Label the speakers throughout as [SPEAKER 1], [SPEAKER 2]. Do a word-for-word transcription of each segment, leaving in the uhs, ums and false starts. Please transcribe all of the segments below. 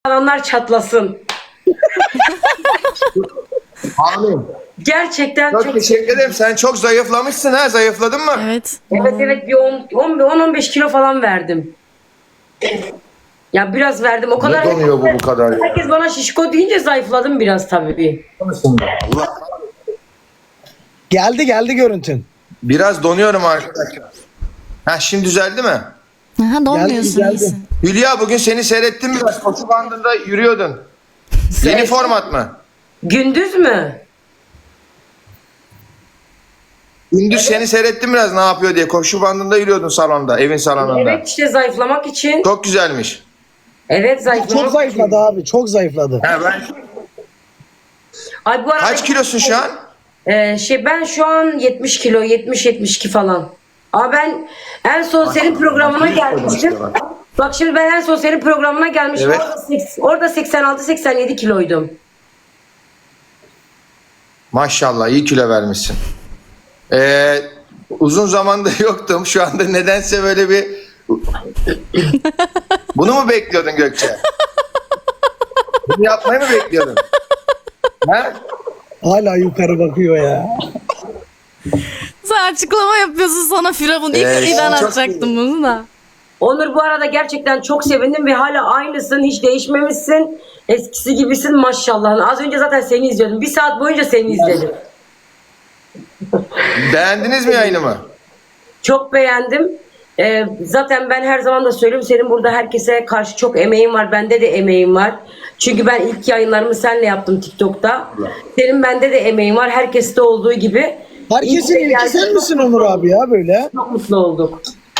[SPEAKER 1] Alanlar çatlasın.
[SPEAKER 2] Amin.
[SPEAKER 1] Gerçekten
[SPEAKER 2] Çok,
[SPEAKER 1] çok
[SPEAKER 2] teşekkür ederim. Sen çok zayıflamışsın ha. Zayıfladın mı?
[SPEAKER 3] Evet.
[SPEAKER 1] Evet evet bir on on beş kilo falan verdim. Ya biraz verdim o kadar.
[SPEAKER 2] Ne donuyor bu bu kadar ya?
[SPEAKER 1] Herkes bana şişko deyince zayıfladım biraz tabii.
[SPEAKER 2] Allah.
[SPEAKER 4] Geldi geldi görüntün.
[SPEAKER 2] Biraz donuyorum arkadaşlar. Ha şimdi düzeldi mi?
[SPEAKER 3] Aha, donmuyorsun,
[SPEAKER 4] geldi.
[SPEAKER 3] iyisin.
[SPEAKER 2] Hülya bugün seni seyrettim biraz. Koşu bandında yürüyordun. Yeni format mı?
[SPEAKER 1] Gündüz mü?
[SPEAKER 2] Gündüz seni seyrettim biraz ne yapıyor diye. Koşu bandında yürüyordun salonda, evin salonunda.
[SPEAKER 1] Evet işte zayıflamak için.
[SPEAKER 2] Çok güzelmiş.
[SPEAKER 1] Evet zayıflamak
[SPEAKER 4] Çok zayıfladı
[SPEAKER 1] için.
[SPEAKER 4] abi. Çok zayıfladı.
[SPEAKER 2] Ha, ben...
[SPEAKER 1] Ay bu arada
[SPEAKER 2] Kaç kilosun şu an?
[SPEAKER 1] Ee, şey ben şu an yetmiş kilo, yetmiş yetmiş iki falan. Ama ben en son senin programına gelmiştim. Bak şimdi ben en son senin programına gelmiştim.
[SPEAKER 2] Evet.
[SPEAKER 1] Orada, seks- orada seksen altı seksen yedi kiloydum.
[SPEAKER 2] Maşallah iyi kilo vermişsin. Ee, uzun zamandır yoktum. Şu anda nedense böyle bir... Bunu mu bekliyordun Gökçe? Bunu yapmayı mı bekliyordun? Ha?
[SPEAKER 4] Hala yukarı bakıyor ya.
[SPEAKER 3] Sen açıklama yapıyorsun, sana Firavun. İlk
[SPEAKER 2] Ee,
[SPEAKER 3] ilan
[SPEAKER 2] çok
[SPEAKER 3] atacaktım bunu da.
[SPEAKER 1] Onur bu arada gerçekten çok sevindim ve hala aynısın. Hiç değişmemişsin. Eskisi gibisin maşallah. Az önce zaten seni izliyordum. Bir saat boyunca seni izledim.
[SPEAKER 2] Beğendiniz mi yayınımı?
[SPEAKER 1] Çok beğendim. Ee, zaten ben her zaman da söylüyorum senin burada herkese karşı çok emeğin var. Bende de emeğim var. Çünkü ben ilk yayınlarımı seninle yaptım TikTok'ta. Senin bende de emeğin var. Herkeste olduğu gibi.
[SPEAKER 4] Herkesin
[SPEAKER 1] İlk
[SPEAKER 4] ilki sen misin Onur abi ya böyle?
[SPEAKER 1] Çok mutlu olduk.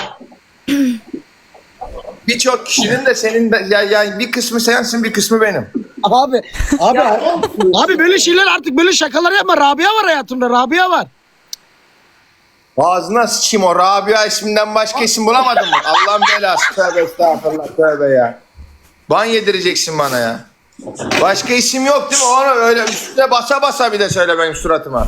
[SPEAKER 2] Birçok kişinin de senin de ya, ya bir kısmı sensin bir kısmı benim.
[SPEAKER 4] Abi abi
[SPEAKER 1] Ya,
[SPEAKER 4] abi böyle şeyler artık böyle şakalar yapma. Rabia var hayatımda. Rabia var.
[SPEAKER 2] Ağzına sıçayım o Rabia isminden başka isim bulamadın mı? Allah'ın belası. Tövbe estağfurullah tövbe ya. Ban yedireceksin bana ya. Başka isim yok değil mi? Onu öyle üstüne basa basa bir de söyle benim suratıma.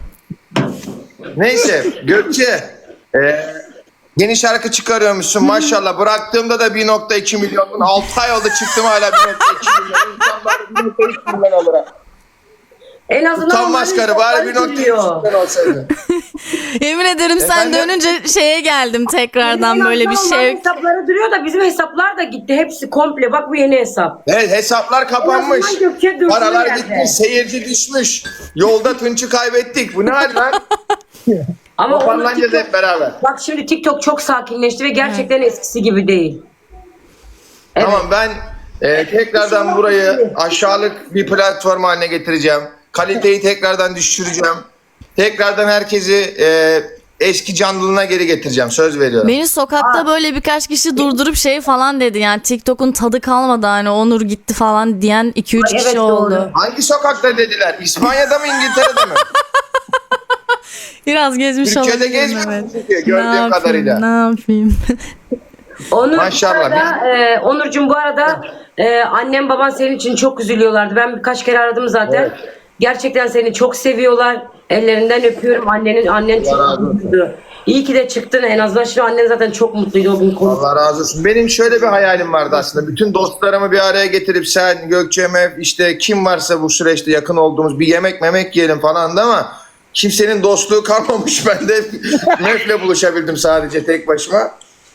[SPEAKER 2] Neyse Gökçe. E, yeni şarkı çıkarıyormuşsun maşallah. Bıraktığımda da bir nokta iki milyonun. altı ay oldu çıktım hala bir nokta iki milyon. İnsanlar bir nokta üç milyon alır.
[SPEAKER 1] en azından
[SPEAKER 2] Utanmaz
[SPEAKER 1] onların
[SPEAKER 2] karı bari bir
[SPEAKER 1] hesapları
[SPEAKER 2] nokta üç
[SPEAKER 1] duruyor.
[SPEAKER 2] milyon olsaydı.
[SPEAKER 3] Yemin ederim sen
[SPEAKER 2] Efendim?
[SPEAKER 3] dönünce şeye geldim tekrardan,
[SPEAKER 1] En
[SPEAKER 3] böyle bir
[SPEAKER 1] azından onların
[SPEAKER 3] şey.
[SPEAKER 1] hesapları duruyor da bizim hesaplar da gitti. Hepsi komple. Bak bu yeni hesap.
[SPEAKER 2] Evet hesaplar kapanmış.
[SPEAKER 1] En azından Gökçe dursun
[SPEAKER 2] Paralar
[SPEAKER 1] yerde.
[SPEAKER 2] gitmiş, seyirci düşmüş. Yolda Tunç'u kaybettik. Bu ne hal lan?
[SPEAKER 1] Ama onun
[SPEAKER 2] Toparlanacağız
[SPEAKER 1] TikTok-
[SPEAKER 2] hep beraber.
[SPEAKER 1] Bak şimdi TikTok çok sakinleşti ve gerçekten eskisi gibi değil. Evet.
[SPEAKER 2] Tamam ben e, tekrardan burayı aşağılık bir platform haline getireceğim. Kaliteyi tekrardan düşüreceğim. Tekrardan herkesi e, eski canlılığına geri getireceğim. Söz veriyorum.
[SPEAKER 3] Beni sokakta böyle birkaç kişi durdurup şey falan dedi. Yani TikTok'un tadı kalmadı, hani Onur gitti falan diyen iki üç
[SPEAKER 1] Ay,
[SPEAKER 3] kişi
[SPEAKER 1] evet,
[SPEAKER 3] oldu.
[SPEAKER 1] doğru.
[SPEAKER 2] Hangi sokakta dediler? İspanya'da mı İngiltere'de mi?
[SPEAKER 3] Biraz gezmiş
[SPEAKER 2] Türkiye'de
[SPEAKER 3] olabilirim,
[SPEAKER 2] gezmiyor
[SPEAKER 3] evet.
[SPEAKER 2] musun Türkiye,
[SPEAKER 3] Ne
[SPEAKER 2] gördüğüm
[SPEAKER 3] yapayım,
[SPEAKER 2] kadarıyla.
[SPEAKER 3] ne yapayım?
[SPEAKER 1] Onur,
[SPEAKER 2] Maşallah.
[SPEAKER 1] Bu arada, e, Onurcuğum bu arada e, annem baban senin için çok üzülüyorlardı. Ben birkaç kere aradım zaten.
[SPEAKER 2] Evet.
[SPEAKER 1] Gerçekten seni çok seviyorlar. Ellerinden öpüyorum. Annenin annen çok
[SPEAKER 2] razı olsun.
[SPEAKER 1] mutluydu. İyi ki de çıktın en azından. Şimdi annen zaten çok mutluydu o gün konuştuk.
[SPEAKER 2] Allah razı olsun. Benim şöyle bir hayalim vardı aslında. Bütün dostlarımı bir araya getirip sen, Gökçe, Mef, işte kim varsa bu süreçte yakın olduğumuz bir yemek memek yiyelim falan da ama kimsenin dostluğu kalmamış. Ben de Mef'le buluşabildim sadece tek başıma.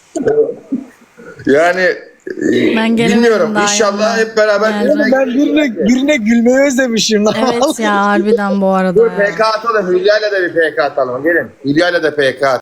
[SPEAKER 2] Yani e,
[SPEAKER 3] Ben gelemedim
[SPEAKER 2] bilmiyorum.
[SPEAKER 3] daha
[SPEAKER 2] İnşallah
[SPEAKER 3] yanına.
[SPEAKER 2] hep beraber
[SPEAKER 3] Yani.
[SPEAKER 4] Oğlum ben birine, birine gülmeyi özlemişim.
[SPEAKER 3] Evet ya, harbiden bu arada
[SPEAKER 2] Dur
[SPEAKER 3] ya.
[SPEAKER 2] P K atalım. Hülya'yla da bir P K atalım. Gelin. Hülya'yla da P K